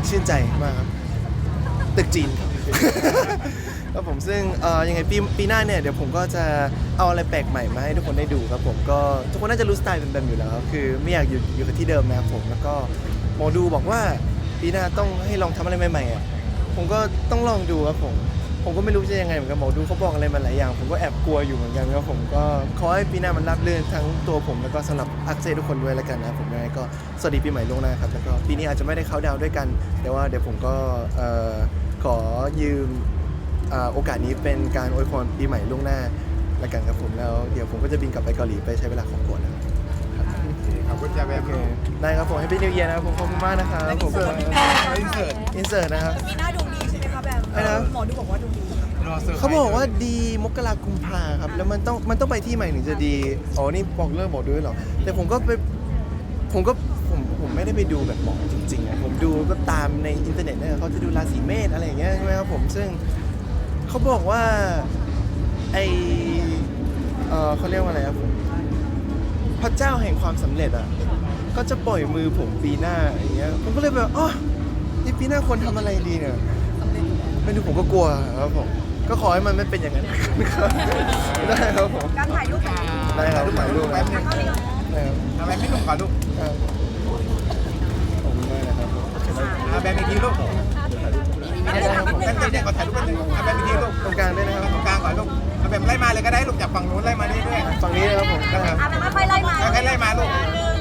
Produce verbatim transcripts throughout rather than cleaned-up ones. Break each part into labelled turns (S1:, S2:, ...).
S1: ชื่นใจมากครับตึกจีนครับผมซึ่งเอ่อยังไงปีปีหน้าเนี่ยเดี๋ยวผมก็จะเอาอะไรแปลกใหม่มาให้ทุกคนได้ดูครับผมก็ทุกคนน่าจะรู้สไตล์เป็นแบบอยู่แล้วครับคือไม่อยากอยู่อยู่กับที่เดิมนะครับผมแล้วก็หมอดูบอกว่าปีหน้าต้องให้ลองทำอะไรใหม่ๆอ่ะผมก็ต้องลองดูครับผมผมก็ไม่รู้จะยังไงเหมือนกันหมอดูเขาบอกอะไรมาหลายอย่างผมก็แอบกลัวอยู่เหมือนกันครับผมก็ขอให้ปีหน้ามันราบรื่นทั้งตัวผมแล้วก็สำหรับอักเซทุกคนด้วยแล้วกันนะผมยังไงก็สวัสดีปีใหม่ล่วงหน้าครับแล้วก็ปีนี้อาจจะไม่ได้เข้าดาวน์ด้วยกันแต่ว่าเดี๋ยวผมก็เอ่อขอยืมอ่าโอกาสนี้เป็นการอวยพรปีใหม่ล่วงหน้าแล้วกันครับผมแล้วเดี๋ยวผมก็จะบินกลับไปเกาหลีไปใช้เวลาของก่อนนะครับ
S2: ขอบคุณจ้าแบบ
S1: โอเคได้ครับผมให้พี่นิวเยียร์นะครับผมขอบคุณมากนะครับผม
S2: อินเสิร์ต
S1: อินเสิร์ตนะครับ
S3: ปีหน้าดวงดีใช่ไหมคะแบบ
S1: อะไรนะ
S3: หมอดูบอกว่าดวงดี
S2: รอเซอร์ไพรส์
S1: เขาบอกว่าดีมกรากุมภาครับ แล้วมันต้องมันต้องไปที่ใหม่ถึงจะดีอ๋อนี่บอกเลิกบอกด้วยเหรอแต่ผมก็ไปผมก็ผมผมไม่ได้ไปดูแบบหมอจริงๆอะผมดูก็ตามในอินเทอร์เน็ตเนี่ยเขาจะดูราศีเมษอะไรอย่างเงี้ยใช่ไหมครับผมซึ่งเขาบอกว่าไอเออเขาเรียกว่าอะไรครับผมพระเจ้าแห่งความสำเร็จอ่ะก็จะปล่อยมือผมปีหน้าอย่างเงี้ยผมก็เลยแบบอ๋อนี่ปีหน้าควรทำอะไรดีเนี่ยไม่รู้ผมก็กลัวครับผมก็ขอให้มันไม่เป็นอย่างนั้นครับได้ครับผม
S3: การถ่ายรูปแบบ
S1: ได้ครับถ่ายรูป
S2: แป๊บนึง
S3: ก็เลย
S1: ได้ครับ
S2: ทำไมไม่ลงก่อนลูก
S1: ครับขอบคุณมากนะครับผม
S2: อาแบบอีกทีลูก
S1: ได้ครับผม
S2: แป๊บนึงขอถ่ายรูปแป๊บนึงอาแบบอีกทีลูก
S1: ตรงกลางด้วยนะครับ
S2: ตรงกลางก่อนลูกเอาแบบไล่มาเลยก็ได้ลูกจากฝั่งนู้นไล่มาเรื่อย
S1: ฝั่งนี้นะครับผมนะครับ
S3: อ่ะแบบค่อยๆไล่มา
S2: ๆค่อยๆไล่มาลูก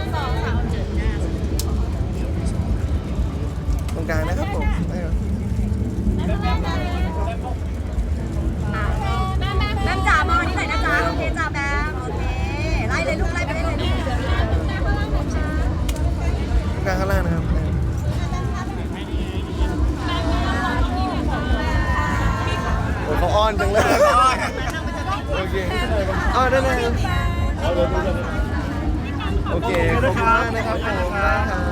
S1: ตรงกลางนะครับผมได้ครับ
S3: แบมจ๋ามองนี่หน่อยนะจ๊ะโอเคจ้าแบมโอเคไล่เลยลูกไล่ไปเลยลูก
S1: ตรงกลางข้างล่างนะครับได้ครับโอ้ยเขาอ้อนจังเลยโอเคอ้อนได้เลยโอเคขอบคุณมากนะครับผมได้ครับ